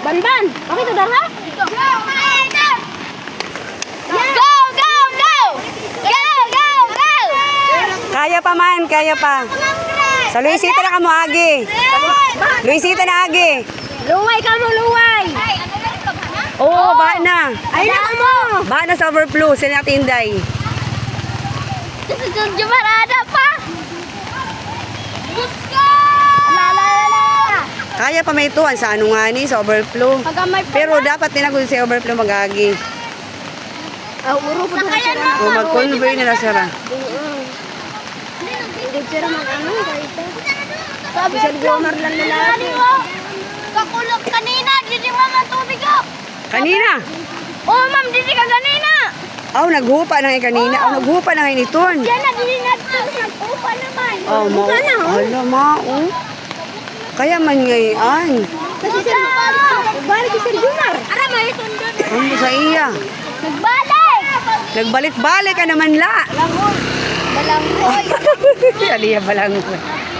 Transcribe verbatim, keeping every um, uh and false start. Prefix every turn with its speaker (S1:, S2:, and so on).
S1: Banban! Bakit ito darha? Go! Go! Go! Go! Go! Go! Go!
S2: Kaya pa man, kaya pa. Sa Luisita na ka mo, Agi. Luisita na, Agi.
S1: Luway ka mo, luway!
S2: Oo, ba na.
S1: Ay na mo!
S2: Ba na sa overflow, sa natin Inday.
S1: Jumarada pa! Buska! La la la la!
S2: Kaya pa may tuwan sa ano nga ni, sa overflow.
S1: Pagamay pa
S2: Pero dapat tinagod sa overflow mag-agi.
S1: Ah, uro po doon sila.
S2: O mag-convey nila sila.
S1: Hindi sila mag-ano, kahit sabi sa Gomar lang lalaki. Kakulog kanina, didi mama tubig ako.
S2: Kanina?
S1: Oo, ma'am, didi ka kanina.
S2: Aw, naghupa na nga kanina. Aw, naghupa na nga initon.
S1: Yan na, didi na nag-upa naman.
S2: Oh, ma. Hala, ma. Oh. Kaya man ngayon.
S1: Kasi sir, nagbalik si Sir Gomar. Ara, may tundon.
S2: Ano sa iya?
S1: Nagbalik!
S2: Nagbalik-balik ka naman la.
S1: Balangoy. Balangoy.
S2: Aliya balangoy.